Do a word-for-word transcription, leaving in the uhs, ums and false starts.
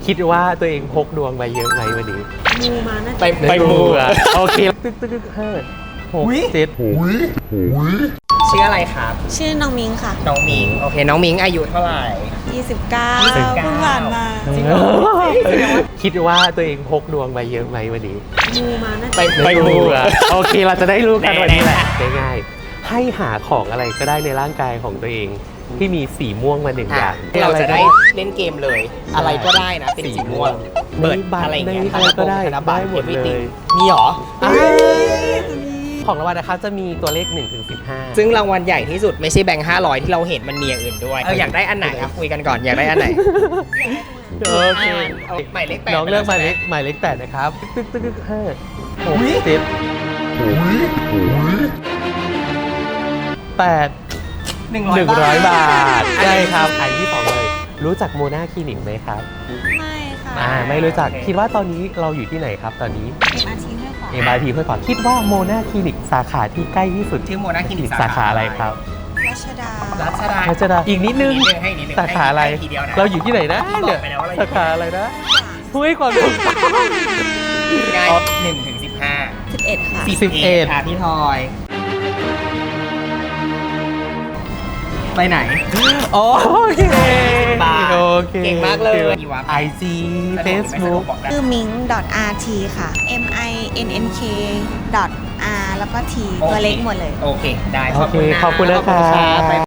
คิดว่าตัวเองพกดวงไปเยอะไหมวันนี้มูมาน่าจะไปไปมูอ่ะโอเคตึ๊กตึ๊กตึ๊กห้าหกเจ็ดชื่ออะไรครับชื่อน้องมิงค่ะน้องมิงโอเคน้องมิงอายุเท่าไหร่ยี่สิบเก้ายี่สิบเก้าเพิ่งผ่านมาคิดว่าตัวเองพกดวงไปเยอะไหมวันนี้มูมาน่าไปจะไปมูอ่ะโอเคเราจะได้รู้กันวันนี้แหละแน่ง่ายๆให้หาของอะไรก็ได้ในร่างกายของตัวเองที่มีสีม่วงมาหนึ่งออ่ะย่างเราจะได้เล่นเกมเลย อะไรก็ได้นะเป็นสีม่วงเปิดอะไรอย่างเงี้ยในอะไรก็ได้ธนบัตรได้หมดเลย everything มีหรอของรางวัลนะคะจะมีตัวเลขหนึ่งถึงสิบห้าซึ่งรางวัลใหญ่ที่สุดไม่ใช่แบงค์ห้าร้อยที่เราเห็นมันมีอย่างอื่นด้วยเอออยากได้อันไหนอะคุยกันก่อนอยากได้อันไหนโอเคเอาหมายเลขแปดน้องเลือกหมายเลขใช่ไหมายเลขแปดนะครับตึ๊กตึ๊กตึ๊กห้าหกเจ็ดแปดหนึ่งหนึ่งร้อยบาทอันใช่นี้ครับอันที่สองเลย รู้จักโมนาคลินิกไหมครับไม่ค่ะอ่าไม่รู้จักคิดว่าตอนนี้เราอยู่ที่ไหนครับตอนนี้เอ็มอาร์ทีห้วยขวางเอ็ม อาร์ ที ห้วยขวางคิดว่าโมนาคลินิกสาขาที่ใกล้ที่สุดชื่อโมนาคลินิกสาขาอะไรครับรัชดารัชดารัชดาอีกนิดนึงให้นิดนึงสาขาอะไรให้ทีเดียวนะเราอยู่ที่ไหนนะบอกเนี่ยไปแล้วว่าเราอยู่สาขาอะไรนะห้วยขวางง่ายหนึ่งถึงสิบห้าสิบเอ็ดค่ะสิบเอ็ดค่ะพี่ทอย ไปไหนโอเคบาทโอเคเก่งมากเลยไอจีเฟซบุ๊กชื่อมิง .rt ค่ะ m i n n k .r แล้วก็ t ตัวเล็กหมดเลยโอเค ได้โอเคขอบคุณนะขอบคุณครับครับ